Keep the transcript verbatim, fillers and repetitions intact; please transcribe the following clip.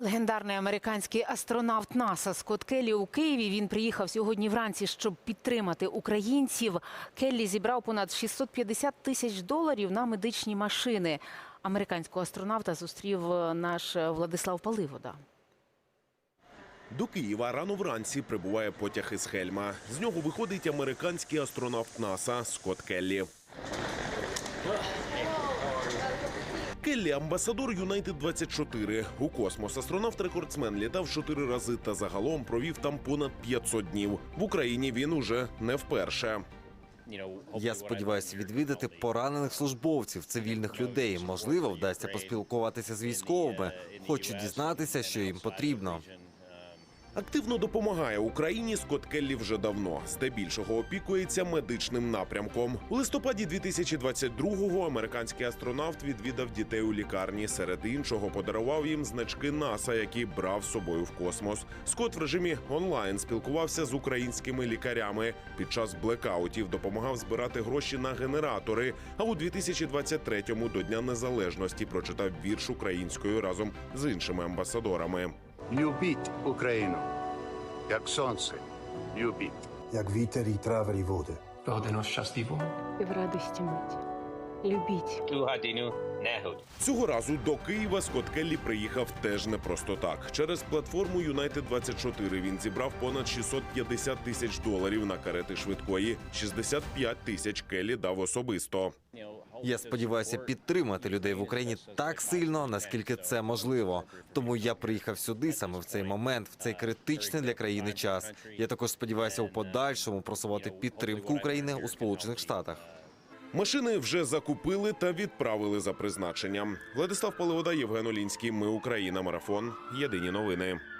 Легендарний американський астронавт НАСА Скотт Келлі у Києві. Він приїхав сьогодні вранці, щоб підтримати українців. Келлі зібрав понад шістсот п'ятдесят тисяч доларів на медичні машини. Американського астронавта зустрів наш Владислав Паливода. До Києва рано вранці прибуває потяг із Хельма. З нього виходить американський астронавт НАСА Скотт Келлі. Келлі – амбасадор Юнайтед двадцять чотири. У космос астронавт-рекордсмен літав чотири рази та загалом провів там понад п'ятсот днів. В Україні він уже не вперше. Я сподіваюся відвідати поранених службовців, цивільних людей. Можливо, вдасться поспілкуватися з військовими. Хочу дізнатися, що їм потрібно. Активно допомагає Україні Скотт Келлі вже давно. Здебільшого опікується медичним напрямком. У листопаді дві тисячі двадцять другого американський астронавт відвідав дітей у лікарні. Серед іншого подарував їм значки НАСА, які брав з собою в космос. Скотт в режимі онлайн спілкувався з українськими лікарями. Під час блекаутів допомагав збирати гроші на генератори. А у дві тисячі двадцять третьому до Дня Незалежності прочитав вірш українською разом з іншими амбасадорами. Любіть Україну, як сонце, любіть. Як вітер і трави і води. Годину щасливо. І в радості мить. Любіть. Ту годину негод. Цього разу до Києва Скотт Келлі приїхав теж не просто так. Через платформу Юнайтед двадцять чотири він зібрав понад шістсот п'ятдесят тисяч доларів на карети швидкої. шістдесят п'ять тисяч Келлі дав особисто. Я сподіваюся підтримати людей в Україні так сильно, наскільки це можливо. Тому я приїхав сюди саме в цей момент, в цей критичний для країни час. Я також сподіваюся у подальшому просувати підтримку України у Сполучених Штатах. Машини вже закупили та відправили за призначенням. Владислав Паливода, Євген Олінський. Ми Україна. Марафон. Єдині новини.